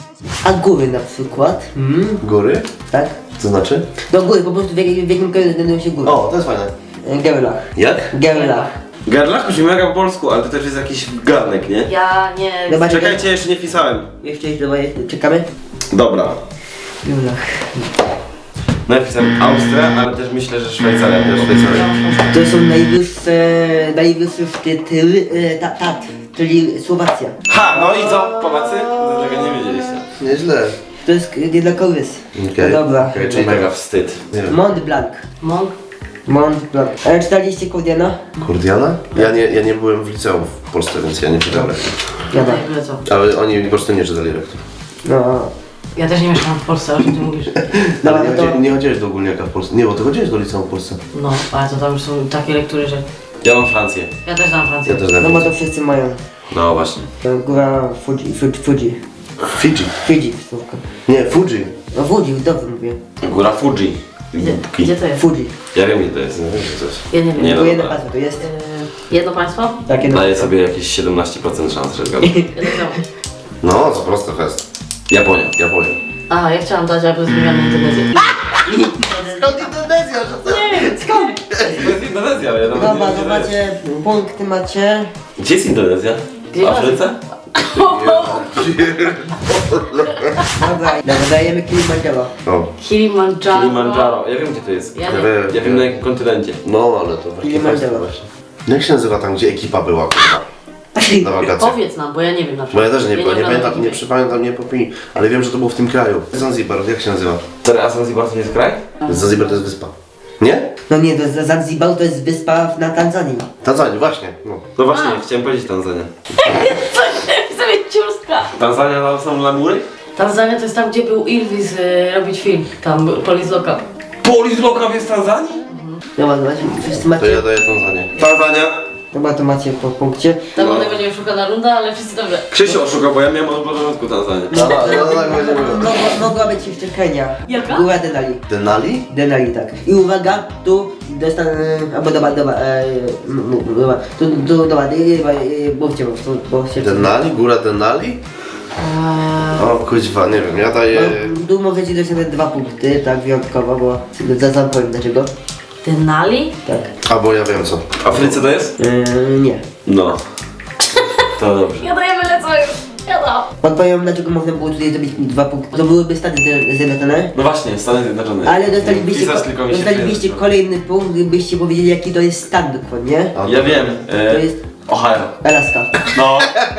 [SPEAKER 1] A góry na przykład? Mm,
[SPEAKER 2] Góry?
[SPEAKER 1] tak?
[SPEAKER 2] Co znaczy?
[SPEAKER 1] No góry, po prostu w, jak- w jakim kraju znajdują się góry?
[SPEAKER 2] O, to jest fajne.
[SPEAKER 1] E, Gerlach.
[SPEAKER 2] Jak?
[SPEAKER 1] Gerlach.
[SPEAKER 3] Garlach brzmi mega po polsku, ale to też jest jakiś garnek, nie?
[SPEAKER 4] Ja nie...
[SPEAKER 1] Zobacz,
[SPEAKER 3] Czekajcie, jeszcze nie wpisałem.
[SPEAKER 1] Jeszcze jest, dobra, czekamy?
[SPEAKER 3] Dobra.
[SPEAKER 1] Gerlach.
[SPEAKER 3] No ja wpisałem Austria, ale też myślę, że Szwajcaria. Też Szwajcaria.
[SPEAKER 1] To są najwyższe, najwyższe szczyty e, ta, Tatr, czyli Słowacja.
[SPEAKER 3] Ha, no i co? Polacy? Do tego nie wiedzieliście.
[SPEAKER 2] Nieźle.
[SPEAKER 1] To jest nie dla korys.
[SPEAKER 2] Okej.
[SPEAKER 1] No dobra.
[SPEAKER 2] Okej,
[SPEAKER 3] Czyli
[SPEAKER 2] czyli
[SPEAKER 3] mega wstyd.
[SPEAKER 2] Nie wiem.
[SPEAKER 1] Mont Blanc.
[SPEAKER 4] Mąk?
[SPEAKER 1] Mont Blanc. Ale czytaliście Kordiana?
[SPEAKER 2] Kurdiana? Ja nie, ja nie byłem w liceum w Polsce, więc ja nie czytałem lektur.
[SPEAKER 1] Ja tak.
[SPEAKER 4] Nie wiem co.
[SPEAKER 2] Ale oni po prostu nie czytali lektur.
[SPEAKER 1] No.
[SPEAKER 4] Ja też nie mieszkam w Polsce, o czym ty mówisz?
[SPEAKER 1] Dobra,
[SPEAKER 2] Ale nie,
[SPEAKER 1] no to-
[SPEAKER 2] chodzi, nie chodziłeś do ogólniaka w Polsce. Nie, bo ty chodziłeś do liceum w Polsce.
[SPEAKER 4] No, ale to tam już są takie lektury, że...
[SPEAKER 3] Ja mam Francję.
[SPEAKER 4] Ja też znam Francję.
[SPEAKER 2] Ja też
[SPEAKER 1] No bo
[SPEAKER 2] znam.
[SPEAKER 1] to wszyscy mają.
[SPEAKER 3] No właśnie.
[SPEAKER 1] To góra Fuji, Fuji, Fuji.
[SPEAKER 2] Fidżi.
[SPEAKER 1] Fuji, słówko.
[SPEAKER 2] Nie, Fuji.
[SPEAKER 1] No Fuji, dobrze mówię.
[SPEAKER 3] Góra Fuji.
[SPEAKER 4] Gdzie, gdzie to jest?
[SPEAKER 1] Fuji.
[SPEAKER 3] Ja wiem, gdzie to jest. Nie wiem, gdzie to jest.
[SPEAKER 4] Ja nie wiem.
[SPEAKER 3] Nie
[SPEAKER 1] Tylko
[SPEAKER 3] no,
[SPEAKER 1] jedno
[SPEAKER 3] dobra.
[SPEAKER 1] pasmo to jest.
[SPEAKER 4] Yy, jedno państwo?
[SPEAKER 1] Tak, jedno
[SPEAKER 3] Daję
[SPEAKER 1] pasmo.
[SPEAKER 3] sobie jakieś siedemnaście procent szans, że zgadnę.
[SPEAKER 4] Jedno samo.
[SPEAKER 2] No, to prosty fest.
[SPEAKER 3] Japonia.
[SPEAKER 2] Japonia.
[SPEAKER 4] A, ja chciałam dać, aby zmieniamy Indonezję.
[SPEAKER 2] Skąd Indonezja, że to?
[SPEAKER 4] Nie wiem, skąd?
[SPEAKER 3] To jest Indonezja, ale ja nawet
[SPEAKER 1] Dobra,
[SPEAKER 3] nie
[SPEAKER 1] to
[SPEAKER 3] wiem, gdzie to jest.
[SPEAKER 1] macie, punkty macie.
[SPEAKER 3] Gdzie jest Indonezja?
[SPEAKER 4] Gdzie
[SPEAKER 3] W Afryce?
[SPEAKER 1] Dobra, dobra, dajemy Kilimandżaro.
[SPEAKER 2] O,
[SPEAKER 4] Kilimandżaro.
[SPEAKER 3] Kilimandżaro. Ja wiem, gdzie to jest.
[SPEAKER 4] Ja
[SPEAKER 2] ja
[SPEAKER 4] nie.
[SPEAKER 2] wiem.
[SPEAKER 3] Ja wiem na jakim kontynencie.
[SPEAKER 2] No, ale to właśnie
[SPEAKER 1] Kilimandżaro.
[SPEAKER 2] fest właśnie. Jak się nazywa tam, gdzie ekipa była, kurwa? Na wakacjach.
[SPEAKER 4] Powiedz nam, bo ja nie wiem na
[SPEAKER 2] Bo
[SPEAKER 4] przykład.
[SPEAKER 2] ja też nie, ja nie,
[SPEAKER 4] oglądam
[SPEAKER 2] pamiętam, nie
[SPEAKER 4] ekipy.
[SPEAKER 2] przypamiętam, nie popij, ale wiem, że to było w tym kraju. Zanzibar, jak się nazywa?
[SPEAKER 3] Stary, a Zanzibar to nie jest kraj?
[SPEAKER 2] Zanzibar to jest wyspa. Nie?
[SPEAKER 1] No nie, to jest Zanzibar to jest wyspa na Tanzanii.
[SPEAKER 2] Tanzania, właśnie. No.
[SPEAKER 3] No właśnie,
[SPEAKER 4] A.
[SPEAKER 3] chciałem powiedzieć Tanzania.
[SPEAKER 4] Co? Chcę mieć ciurska.
[SPEAKER 3] Tanzania to są lamury?
[SPEAKER 4] Tanzania to jest tam, gdzie był Ilvis y, robić film. Tam był Police Lockup.
[SPEAKER 3] Polis Lockup jest w Tanzanii?
[SPEAKER 1] Dobra, zobaczcie, wszyscy
[SPEAKER 2] To
[SPEAKER 1] macie.
[SPEAKER 2] ja daję Tanzanię.
[SPEAKER 3] Tanzania.
[SPEAKER 1] Dobra, to macie po punkcie.
[SPEAKER 4] Tam
[SPEAKER 3] No.
[SPEAKER 4] no. będzie oszukana runda, ale wszyscy dobrze.
[SPEAKER 3] Krzysiu oszukał, bo ja miałem od początku Tanzanię.
[SPEAKER 2] No, no, no, tak będzie było.
[SPEAKER 1] Mogła, mogła być jeszcze Kenia.
[SPEAKER 4] Jaka?
[SPEAKER 1] Góra Denali.
[SPEAKER 2] Denali?
[SPEAKER 1] Denali, tak. I uwaga, tu dostanę, albo dobra, dobra, e, m, m, dobra, tu, tu, dobra, e, e, mówcie, bo, bo się...
[SPEAKER 2] Denali? Góra Denali?
[SPEAKER 4] Eee,
[SPEAKER 2] O kuźwa, nie wiem, ja daję...
[SPEAKER 1] No, tu możecie dostać dwa punkty, tak, wyjątkowo, bo za sam powiem dlaczego.
[SPEAKER 4] Denali?
[SPEAKER 1] Tak.
[SPEAKER 2] Albo ja wiem co.
[SPEAKER 3] W Afryce to jest?
[SPEAKER 1] E, nie.
[SPEAKER 3] No. To dobrze.
[SPEAKER 4] Ja daję byle co już. Ja dam.
[SPEAKER 1] Podpowiem, dlaczego można było tutaj zdobyć dwa punkty. To byłyby Stany Zjedno- Zjednoczone.
[SPEAKER 3] No właśnie, Stany Zjednoczone.
[SPEAKER 1] Ale dostalibyście,
[SPEAKER 3] Pisać tylko mi się
[SPEAKER 1] dostalibyście
[SPEAKER 3] przyjemnie.
[SPEAKER 1] kolejny punkt, gdybyście powiedzieli jaki to jest stan dokładnie.
[SPEAKER 2] A,
[SPEAKER 3] Ja wiem. E,
[SPEAKER 1] To jest
[SPEAKER 3] Ohio.
[SPEAKER 1] Alaska.
[SPEAKER 3] No.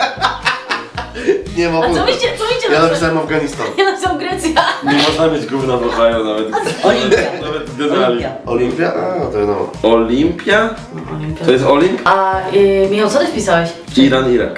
[SPEAKER 2] Nie ma
[SPEAKER 4] A co
[SPEAKER 2] punktu.
[SPEAKER 4] wyście, co wyście
[SPEAKER 2] Ja
[SPEAKER 4] napisali?
[SPEAKER 2] napisałem Afganistan.
[SPEAKER 4] Ja napisałam Grecja.
[SPEAKER 3] Nie można mieć gówna w Ohio nawet.
[SPEAKER 1] Olimpia.
[SPEAKER 3] Nawet Denali.
[SPEAKER 1] Olimpia.
[SPEAKER 2] Olimpia? A, to no.
[SPEAKER 3] Olimpia? To jest Olimp?
[SPEAKER 4] A y, Michał, co ty wpisałeś?
[SPEAKER 3] Iran, Irak.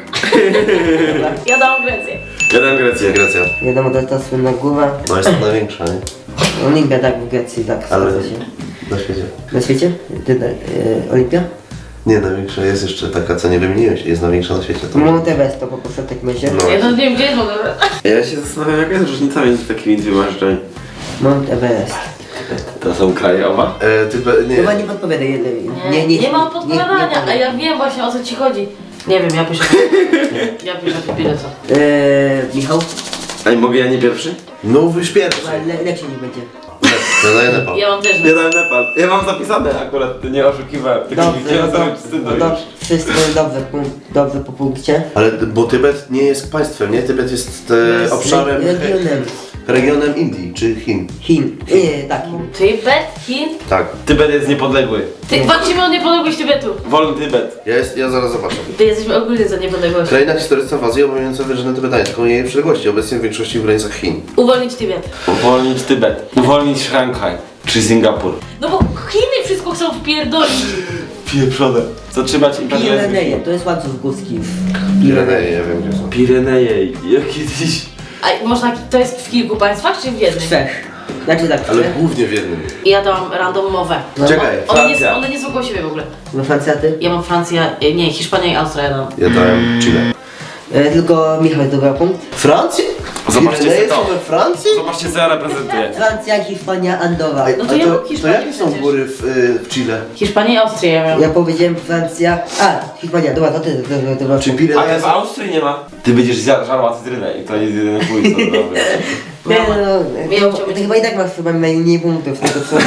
[SPEAKER 4] Ja dałam Grecję.
[SPEAKER 3] Ja dam Grecję.
[SPEAKER 2] Grecja.
[SPEAKER 1] Wiadomo, to jest ta słynna góra.
[SPEAKER 2] No jest to największa, nie?
[SPEAKER 1] Olimpia, tak, w Grecji, tak,
[SPEAKER 2] Ale
[SPEAKER 1] zgadza się.
[SPEAKER 2] na świecie.
[SPEAKER 1] Na świecie? Ty, e, Olimpia?
[SPEAKER 2] Nie, największa jest jeszcze taka, co nie wymieniłeś, jest największa na świecie. To
[SPEAKER 1] Mount Everest to poproszę w takim razie.
[SPEAKER 2] No.
[SPEAKER 4] Ja to nie wiem, gdzie jest w ogóle.
[SPEAKER 3] Ja się zastanawiam, jaka jest różnica między takimi dwiema rzeczami.
[SPEAKER 1] Mount Everest.
[SPEAKER 3] To są kraje oba?
[SPEAKER 2] E, ty, be- nie.
[SPEAKER 1] Chyba nie podpowiadaj, nie,
[SPEAKER 4] Nie, nie, nie mam
[SPEAKER 1] nie-
[SPEAKER 4] podpowiadania,
[SPEAKER 1] nie
[SPEAKER 4] a ja wiem właśnie o co ci chodzi. Nie wiem, ja piszę. Ja piszę, byle co.
[SPEAKER 1] Eee, Michał?
[SPEAKER 3] A nie mogę ja nie pierwszy?
[SPEAKER 2] No już pierwszy.
[SPEAKER 1] Le, lepszy nie będzie.
[SPEAKER 2] Ja daję Nepal.
[SPEAKER 4] Ja mam też.
[SPEAKER 3] Nie dałem Nepal. Ja mam zapisane akurat, nie oszukiwałem. Tylko nie
[SPEAKER 1] Dobrze,
[SPEAKER 3] chciałem
[SPEAKER 1] no,
[SPEAKER 3] sobie
[SPEAKER 1] to,
[SPEAKER 3] wstydu
[SPEAKER 1] no,
[SPEAKER 3] już.
[SPEAKER 1] dobrze, wszystko dobrze, punkt, dobrze po punkcie.
[SPEAKER 2] Ale bo Tybet nie jest państwem, nie? Tybet jest e,
[SPEAKER 1] Jest
[SPEAKER 2] obszarem,
[SPEAKER 1] regionem
[SPEAKER 2] regionem Indii czy Chin.
[SPEAKER 1] Chin. Nie, tak, Chin.
[SPEAKER 4] Tybet, Chin.
[SPEAKER 2] Tak.
[SPEAKER 3] Tybet jest niepodległy.
[SPEAKER 4] Ty, walczymy o niepodległość Tybetu.
[SPEAKER 3] Wolny Tybet.
[SPEAKER 2] Ja, jest, ja zaraz zobaczę.
[SPEAKER 4] Ty jesteśmy ogólnie za niepodległością.
[SPEAKER 2] Kraina historyczna w Azji obejmująca wyżynę tybetańską i jej przyległości, obecnie w większości w granicach Chin.
[SPEAKER 4] Uwolnić Tybet.
[SPEAKER 3] Uwolnić Tybet. Uwolnić Szanghaj. Czy Singapur.
[SPEAKER 4] No bo Chiny wszystko chcą wpierdolić.
[SPEAKER 3] Pieprzone. Zatrzymać imperializm.
[SPEAKER 1] Pireneje, to jest łańcuch górski.
[SPEAKER 2] Pireneje, ja wiem gdzie są.
[SPEAKER 3] Pireneje. Jak kiedyś...
[SPEAKER 4] A można, to jest w kilku państwach czy w jednym?
[SPEAKER 1] Trzech. Znaczy tak,
[SPEAKER 2] Ale
[SPEAKER 1] trzech.
[SPEAKER 2] głównie w jednym.
[SPEAKER 4] I ja dałam randomowe.
[SPEAKER 1] No.
[SPEAKER 2] Czekaj,
[SPEAKER 4] One nie,
[SPEAKER 3] Francja.
[SPEAKER 4] one nie są koło siebie w ogóle.
[SPEAKER 1] No Francja, ty?
[SPEAKER 4] Ja mam Francja, e, nie, Hiszpania i Austria ja dałam.
[SPEAKER 2] ja dałem Chile.
[SPEAKER 1] E, tylko Michał zdobył punkt.
[SPEAKER 2] Francja?
[SPEAKER 3] Zobaczcie
[SPEAKER 2] Pireneje
[SPEAKER 3] co
[SPEAKER 2] są
[SPEAKER 3] to.
[SPEAKER 2] we Francji?
[SPEAKER 3] Zobaczcie co ja reprezentuję.
[SPEAKER 1] Francja, Hiszpania, Andorra.
[SPEAKER 2] Ej,
[SPEAKER 4] No to
[SPEAKER 2] a
[SPEAKER 4] ja
[SPEAKER 2] to,
[SPEAKER 4] mam
[SPEAKER 2] to
[SPEAKER 4] Hiszpanię
[SPEAKER 2] jakie są
[SPEAKER 4] przecież.
[SPEAKER 2] góry w, y, w Chile?
[SPEAKER 4] Hiszpanię i Austrię ja miałam.
[SPEAKER 1] Ja powiedziałem Francja... A, Hiszpania, dobra, to ty, to, to, to,
[SPEAKER 2] Czy
[SPEAKER 3] A
[SPEAKER 2] Pireneje
[SPEAKER 3] ty w
[SPEAKER 2] są...
[SPEAKER 3] Austrii nie ma? Ty będziesz zja- żarła cytrynę i to jest jedyny chuj co robię.
[SPEAKER 1] Nie, no,
[SPEAKER 4] Wiem,
[SPEAKER 1] no,
[SPEAKER 4] chciał
[SPEAKER 1] ty
[SPEAKER 4] być-
[SPEAKER 1] chyba i tak masz chyba najmniej punktów z tego co...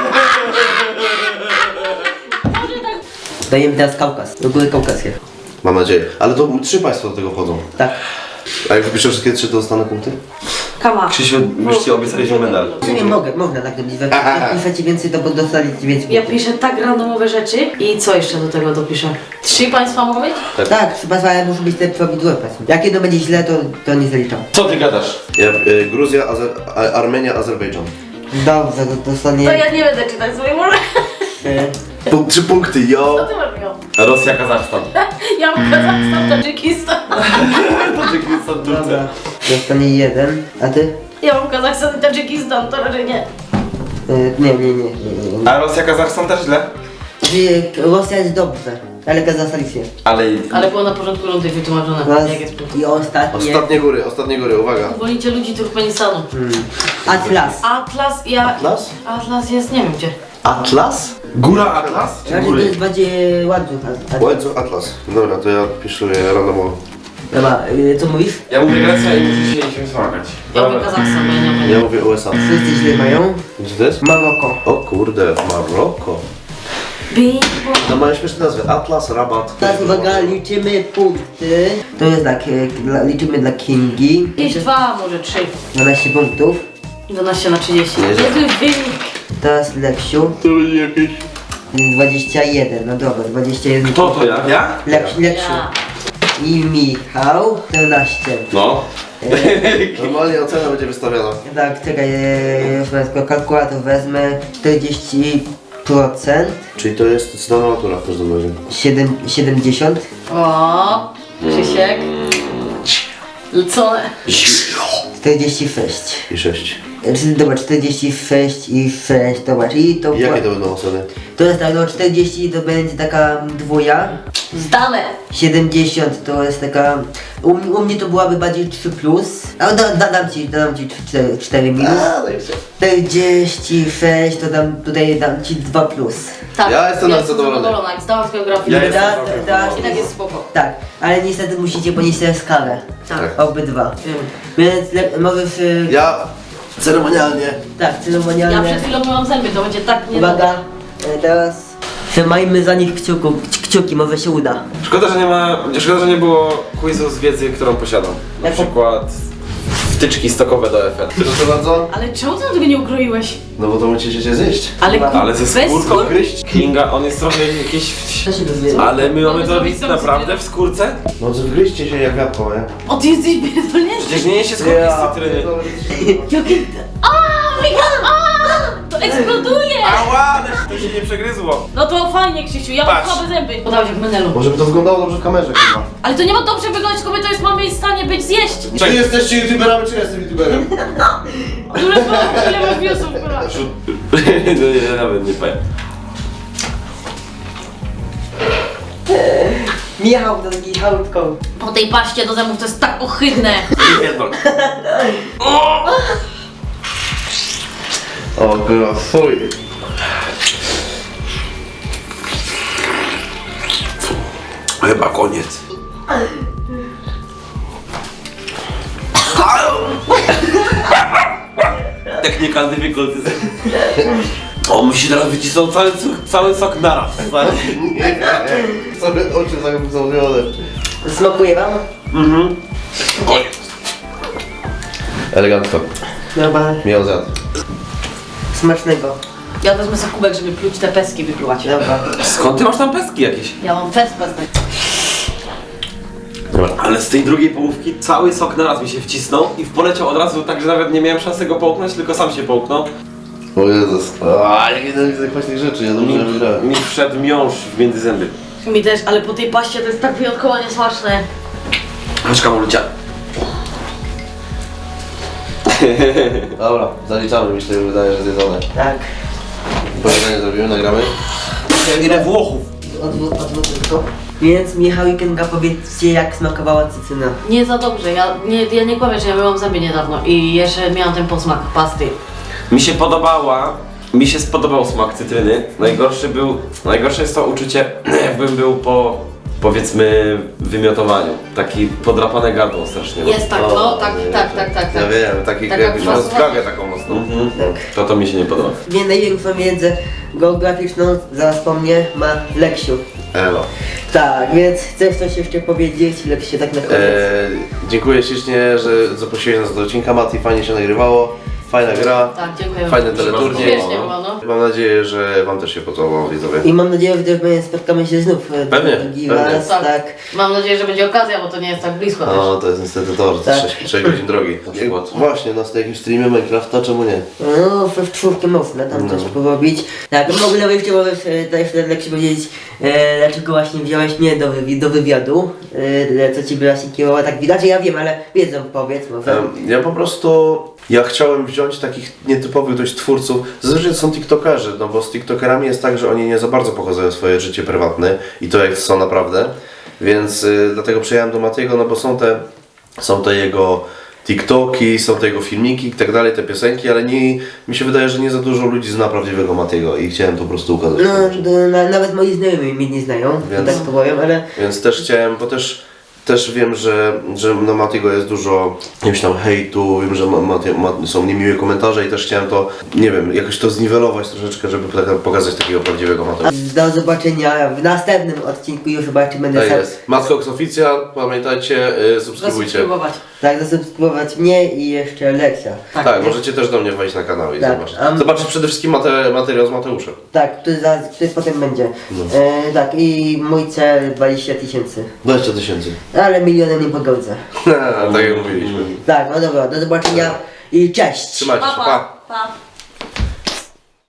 [SPEAKER 1] Dajemy teraz Kaukaz, do góry kaukaskie.
[SPEAKER 2] Mam nadzieję. Ale to trzy państwa do tego wchodzą.
[SPEAKER 1] Tak.
[SPEAKER 2] A jak wypiszę wszystkie trzy, to dostanę punkty?
[SPEAKER 4] Kama.
[SPEAKER 3] Krzysiu, już ci obiecaliśmy medal.
[SPEAKER 1] W sumie mogę, można tak robić. Jak piszecie więcej, to dostaliście więcej
[SPEAKER 4] Ja
[SPEAKER 1] punktów.
[SPEAKER 4] piszę tak randomowe rzeczy i co jeszcze do tego dopiszę? Trzy państwa mogą być?
[SPEAKER 1] Tak, trzeba ale muszą być te prawidłowe państwa. Jak jedno będzie źle, to, to nie zaliczam.
[SPEAKER 3] Co ty gadasz?
[SPEAKER 2] Ja, y, Gruzja, Azer a, Armenia, Azerbejdżan.
[SPEAKER 1] Dobrze, to dostanie...
[SPEAKER 4] To ja nie będę czytać sobie może.
[SPEAKER 1] trzy.
[SPEAKER 2] Punkt, trzy punkty,
[SPEAKER 4] Co
[SPEAKER 2] jo!
[SPEAKER 4] ty masz miał?
[SPEAKER 3] Rosja, Kazachstan.
[SPEAKER 4] Ja mam Kazachstan, Tadżykistan.
[SPEAKER 3] Tadżykistan, Turcja.
[SPEAKER 1] Dobra, dostanie jeden. A ty?
[SPEAKER 4] Ja mam Kazachstan i Tadżykistan, to raczej nie.
[SPEAKER 1] Y, nie, nie, nie. nie, nie.
[SPEAKER 3] A Rosja, Kazachstan też źle?
[SPEAKER 1] Czyli Rosja jest dobrze, ale Kazachstan jest nie.
[SPEAKER 3] Ale...
[SPEAKER 4] Ale było na porządku rundy wytłumaczone,
[SPEAKER 1] Raz
[SPEAKER 4] jak jest punkt.
[SPEAKER 1] i ostatnie.
[SPEAKER 2] Ostatnie góry, ostatnie góry, uwaga.
[SPEAKER 4] Wolicie ludzi Turkmenistanu.
[SPEAKER 1] Hmm. Atlas.
[SPEAKER 4] Atlas, ja...
[SPEAKER 2] Atlas?
[SPEAKER 4] Atlas jest, nie wiem gdzie.
[SPEAKER 2] Atlas?
[SPEAKER 3] Góra Atlas? Czy
[SPEAKER 1] Znaczy to
[SPEAKER 3] góry?
[SPEAKER 1] jest bardziej ładny Atlas.
[SPEAKER 2] Łańcuch Atlas. Dobra, to ja piszę randomowo.
[SPEAKER 1] Dobra, y, co mówisz?
[SPEAKER 3] Ja mówię Grecja i musicie się wysmagać.
[SPEAKER 4] Ja mówię Kazachstan, bo ja nie mam
[SPEAKER 2] Ja
[SPEAKER 4] pojęcia.
[SPEAKER 2] mówię U S A.
[SPEAKER 1] Wszyscy źle mają.
[SPEAKER 2] Gdzie to jest?
[SPEAKER 1] Maroko.
[SPEAKER 2] O kurde, Maroko.
[SPEAKER 4] Bing, bong.
[SPEAKER 2] No mają śmieszne nazwy. Atlas, Rabat.
[SPEAKER 1] Teraz uwaga, liczymy punkty. To jest tak, y, dla- liczymy dla Kingi.
[SPEAKER 4] Jakieś dwa, może trzy.
[SPEAKER 1] dwanaście punktów.
[SPEAKER 4] dwanaście na trzydzieści.
[SPEAKER 2] Nieźle.
[SPEAKER 4] Niezły wynik.
[SPEAKER 1] Teraz Leksiu.
[SPEAKER 2] To będzie jakieś...
[SPEAKER 1] dwadzieścia jeden, no dobra, dwadzieścia jeden.
[SPEAKER 3] Kto to ja? Ja?
[SPEAKER 1] Leks, Leksiu.
[SPEAKER 4] Ja.
[SPEAKER 1] I Michał. czternaście.
[SPEAKER 3] No.
[SPEAKER 2] Normalnie ocena będzie wystawiana.
[SPEAKER 1] Tak, czekaj, e, już wezmę kalkulator, wezmę czterdzieści procent.
[SPEAKER 2] Czyli to jest zdana matura w każdym razie.
[SPEAKER 1] siedem, siedemdziesiąt.
[SPEAKER 4] O, Krzysiek. Lecone.
[SPEAKER 1] czterdzieści sześć.
[SPEAKER 2] I sześć.
[SPEAKER 1] E, czy- Dobra, czterdzieści sześć i sześć, dobra, czyli to...
[SPEAKER 2] I jakie to będą oceny?
[SPEAKER 1] To jest tak, no czterdzieści to będzie taka dwuja.
[SPEAKER 4] Zdane.
[SPEAKER 1] siedemdziesiąt to jest taka... U, u mnie to byłaby bardziej trzy plus. A da, da, dam ci, dam ci cztery, cztery minus.
[SPEAKER 2] no i wszystko.
[SPEAKER 1] czterdzieści sześć to dam, tutaj dam ci dwa plus.
[SPEAKER 4] Tak.
[SPEAKER 2] Ja jestem zadowolony.
[SPEAKER 4] zadowolona. Jak zdałam z geografii,
[SPEAKER 3] Ja
[SPEAKER 4] to
[SPEAKER 3] jestem
[SPEAKER 1] Da,
[SPEAKER 3] całkiem
[SPEAKER 1] da,
[SPEAKER 3] zadowolony.
[SPEAKER 4] i tak jest spoko.
[SPEAKER 1] Tak, ale niestety musicie ponieść tę skalę.
[SPEAKER 4] Tak.
[SPEAKER 1] Obydwa.
[SPEAKER 4] Wiem.
[SPEAKER 1] Więc le- możesz... y,
[SPEAKER 2] Ja ceremonialnie.
[SPEAKER 1] Tak,
[SPEAKER 4] Ja
[SPEAKER 1] ceremonialnie.
[SPEAKER 4] przed chwilą myłam zęby, to będzie tak nie...
[SPEAKER 1] Uwaga, e, teraz trzymajmy za nich kciuku, kci- kciuki, może się uda.
[SPEAKER 3] Szkoda, że nie ma... Szkoda, że nie było quizu z wiedzy, którą posiadam. Na
[SPEAKER 1] Jaką?
[SPEAKER 3] przykład... Wtyczki stokowe do F L.
[SPEAKER 2] Proszę bardzo.
[SPEAKER 4] Ale czemu ty tego nie ukroiłeś?
[SPEAKER 2] No bo to musicie się zjeść.
[SPEAKER 4] Ale ku...
[SPEAKER 3] Ale ze
[SPEAKER 4] bez
[SPEAKER 3] skórką
[SPEAKER 4] skór?
[SPEAKER 2] Gryźć.
[SPEAKER 3] Kinga, on jest trochę jakiś...
[SPEAKER 1] Co się dowie?
[SPEAKER 3] Ale my mamy
[SPEAKER 4] Mamy
[SPEAKER 3] to
[SPEAKER 4] zrobić
[SPEAKER 3] robić
[SPEAKER 4] tą
[SPEAKER 3] naprawdę
[SPEAKER 4] cytrynę?
[SPEAKER 3] w skórce?
[SPEAKER 2] No wgryźcie się jak jabłko, nie?
[SPEAKER 4] O, ty jesteś pierdolnięty.
[SPEAKER 3] Przecież nie je się skórki z cytryny.
[SPEAKER 4] Jakie... Aaa, Michał, aaa! To eksploduje!
[SPEAKER 3] Ała, to się nie przegryzło.
[SPEAKER 4] No to fajnie, Krzysiu, ja mam
[SPEAKER 3] Patrz.
[SPEAKER 4] słabe zęby. Podałeś jak menelu.
[SPEAKER 2] Może by to wyglądało dobrze w kamerze chyba.
[SPEAKER 4] Ale to nie ma dobrze wyglądać, tylko my to jest mamy w stanie być zjeść.
[SPEAKER 2] Czy jesteście youtuberami, czy ja jestem youtuberem?
[SPEAKER 4] Które są, ile masz viewsów, kurwa.
[SPEAKER 3] No ja nawet nie powiem.
[SPEAKER 1] Michał, to taki chałutką.
[SPEAKER 4] Po tej paście do zębów to jest tak ohydne.
[SPEAKER 3] Pierdol.
[SPEAKER 2] O kurwa, fuj.
[SPEAKER 3] Chyba koniec. Technika difficulty. O, mi się teraz wycisnął cały, cały sok naraz. stary.
[SPEAKER 2] Nie, sobie oczy zagubione.
[SPEAKER 1] Smakuje wam?
[SPEAKER 3] Mhm. Koniec.
[SPEAKER 2] Elegancko.
[SPEAKER 1] Dobra,
[SPEAKER 2] Miał zjadł.
[SPEAKER 1] smacznego.
[SPEAKER 4] Ja wezmę sobie kubek, żeby pluć te peski wypluwać.
[SPEAKER 1] Dobra.
[SPEAKER 3] Skąd ty masz tam pestki jakieś?
[SPEAKER 4] Ja mam pes, pestek.
[SPEAKER 3] Ale z tej drugiej połówki cały sok naraz mi się wcisnął i poleciał od razu tak, że nawet nie miałem szansy go połknąć, tylko sam się połknął.
[SPEAKER 2] O Jezus. A, jak nienawidzę kwaśnych rzeczy, ja dobrze
[SPEAKER 3] Mi,
[SPEAKER 2] nie wygrałem.
[SPEAKER 3] mi wszedł miąższ w między zęby.
[SPEAKER 4] Mi też, ale po tej paście to jest tak wyjątkowo niesmaczne.
[SPEAKER 3] Chodź Kamolucia.
[SPEAKER 2] Dobra, zaliczamy, mi się wydaje, że zjedzone.
[SPEAKER 1] Tak.
[SPEAKER 2] Powiedzenie zrobimy, nagramy.
[SPEAKER 3] Ile Włochów?
[SPEAKER 1] Odwrót, odwrót tylko. Więc Michał i Kinga, powiedzcie, jak smakowała cytryna.
[SPEAKER 4] Nie za dobrze, ja nie, ja nie kłamię, że ja myłam zęby niedawno i jeszcze miałam ten posmak pasty.
[SPEAKER 3] Mi się podobała, mi się spodobał smak cytryny. Najgorszy był, najgorsze jest to uczucie, jakbym był po, powiedzmy, wymiotowaniu. Taki podrapane gardło strasznie.
[SPEAKER 4] Jest tak,
[SPEAKER 2] O,
[SPEAKER 4] no, tak,
[SPEAKER 2] nie,
[SPEAKER 4] tak,
[SPEAKER 2] nie.
[SPEAKER 4] tak, tak,
[SPEAKER 2] Ja
[SPEAKER 4] tak.
[SPEAKER 2] wiem, taki
[SPEAKER 4] Taka
[SPEAKER 2] jakbyś miał
[SPEAKER 4] kwasowa.
[SPEAKER 2] zgagę taką mocną.
[SPEAKER 3] Mhm.
[SPEAKER 1] Tak.
[SPEAKER 3] To to mi się nie podoba.
[SPEAKER 1] Wie największą wiedzę geograficzną, zaraz po mnie, ma Leksiu.
[SPEAKER 2] Elo.
[SPEAKER 1] Tak, więc chcesz coś jeszcze powiedzieć? Leksiu, tak na koniec.
[SPEAKER 2] Eee, dziękuję ślicznie, że zaprosiłeś nas do odcinka, Mati, fajnie się nagrywało. Fajna gra,
[SPEAKER 4] Tak, dziękuję.
[SPEAKER 2] fajny
[SPEAKER 3] Mi się
[SPEAKER 2] teleturniej.
[SPEAKER 3] bardzo
[SPEAKER 4] Śmiesznie było, no.
[SPEAKER 2] Mam nadzieję, że wam też się podobało, widzowie.
[SPEAKER 1] I mam nadzieję, że też my spotkamy się znów e,
[SPEAKER 2] Pewnie,
[SPEAKER 1] drugi
[SPEAKER 2] pewnie.
[SPEAKER 1] raz,
[SPEAKER 4] Tak.
[SPEAKER 1] tak.
[SPEAKER 4] Mam nadzieję, że będzie okazja, bo to nie jest tak blisko też.
[SPEAKER 2] No, to jest niestety to, że to
[SPEAKER 1] Tak.
[SPEAKER 2] sześć godzin drogi.
[SPEAKER 3] przykład.
[SPEAKER 2] Właśnie, no z jakimś streamie Minecrafta, czemu nie?
[SPEAKER 1] No, w czwórkę można tam
[SPEAKER 2] No.
[SPEAKER 1] coś porobić. Tak, w ogóle jeszcze możesz e, też Leksiu powiedzieć, e, dlaczego właśnie wziąłeś mnie do, wywi do wywiadu, e, co ci by właśnie kierowało, tak widać, ja wiem, ale wiedzą, powiedz może.
[SPEAKER 2] Em, Ja po prostu, ja chciałem wziąć takich nietypowych dość twórców, zazwyczaj to są tiktokerzy, no bo z tiktokerami jest tak, że oni nie za bardzo pokazują swoje życie prywatne i to jak są naprawdę, więc y, dlatego przyjechałem do Matiego, no bo są te, są te jego tiktoki, są te jego filmiki i tak dalej, te piosenki, ale nie, mi się wydaje, że nie za dużo ludzi zna prawdziwego Matiego i chciałem to po prostu ukazać.
[SPEAKER 1] No, to, na, nawet moi znajomi mnie nie znają,
[SPEAKER 2] Więc-
[SPEAKER 1] tak powiem, ale
[SPEAKER 2] Więc też chciałem, bo też, też wiem, że, że na Matiego jest dużo jakiegoś tam hejtu, wiem, że ma, Mati, ma, są niemiłe komentarze i też chciałem to, nie wiem, jakoś to zniwelować troszeczkę, żeby tak- pokazać takiego prawdziwego Matiego.
[SPEAKER 1] do zobaczenia w następnym odcinku, już chyba jeszcze będę
[SPEAKER 2] Tak
[SPEAKER 1] sam.
[SPEAKER 2] jest. Matcox Oficjal, pamiętajcie, y, subskrybujcie.
[SPEAKER 4] Zasubskrybować.
[SPEAKER 1] Tak, zasubskrybować mnie i jeszcze Leksia.
[SPEAKER 2] Tak, możecie też do mnie wejść na kanał i
[SPEAKER 1] Tak,
[SPEAKER 2] zobaczyć.
[SPEAKER 1] a-
[SPEAKER 2] Zobaczyć przede wszystkim mate, materiał z Mateuszem.
[SPEAKER 1] Tak, który, za, który potem będzie.
[SPEAKER 2] No.
[SPEAKER 1] E, tak, i mój cel dwadzieścia tysięcy.
[SPEAKER 2] dwadzieścia tysięcy.
[SPEAKER 1] Ale milionem nie pogodzę.
[SPEAKER 2] Tak jak mówiliśmy.
[SPEAKER 1] Tak, no dobra, do zobaczenia i cześć!
[SPEAKER 2] Trzymajcie się,
[SPEAKER 4] Pa,
[SPEAKER 2] pa!
[SPEAKER 4] pa, pa.